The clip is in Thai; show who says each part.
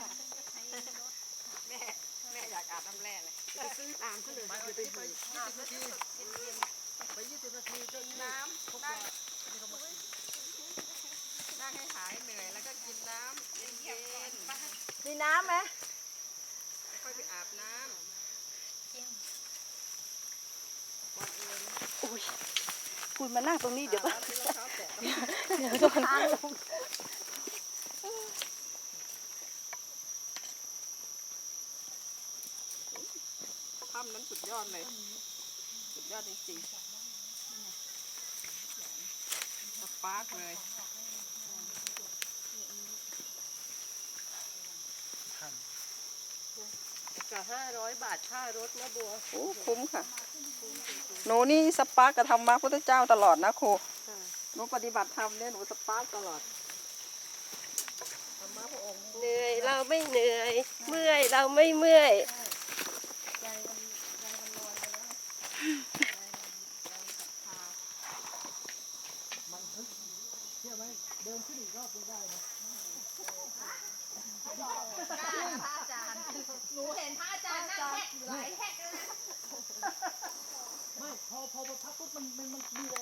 Speaker 1: แม่อยากอาบน้ำแร่เลยไปซื้อตามเขาเลยไป20 นาทีไป20 นาทีก็น้ำนั่งให้หายเหนื่อยแล้วก็กินน้ำเย็นๆมีน้ำไหมค่อยไปอาบน้ำ
Speaker 2: อุ้ยคุณมานั่งตรงนี้เดี๋ยว
Speaker 1: ที่รองเท้าแตะ
Speaker 2: เดี๋ยวโดน
Speaker 1: ถ้ำนั้นสุดยอดเลยสุดยอดจริงๆสปาร์กเลยกับ500 บาทค่ารถนะบัว
Speaker 2: โอ้คุ้มค่ะหนูนี่สปาร์กกับธรรมะพุทธเจ้าตลอดนะครูหนูปฏิบัติธรรมเนี่ยหนูสปาร์กตลอดธรรมะพระองค์
Speaker 3: เหนื่อยเราไม่เหนื่อย เมื่อยเราไม่เมื่อย
Speaker 1: ใจมันลอยไปแล้วมันเชื่อไหมเดินขึ้นอีกรอบยังได้นะ
Speaker 4: พระอาจารย์หนูเห็นพระอาจารย์นั่งแหกอยู่หลายแหกเลย
Speaker 1: ไม่พอพักปุ๊บมันมีแรง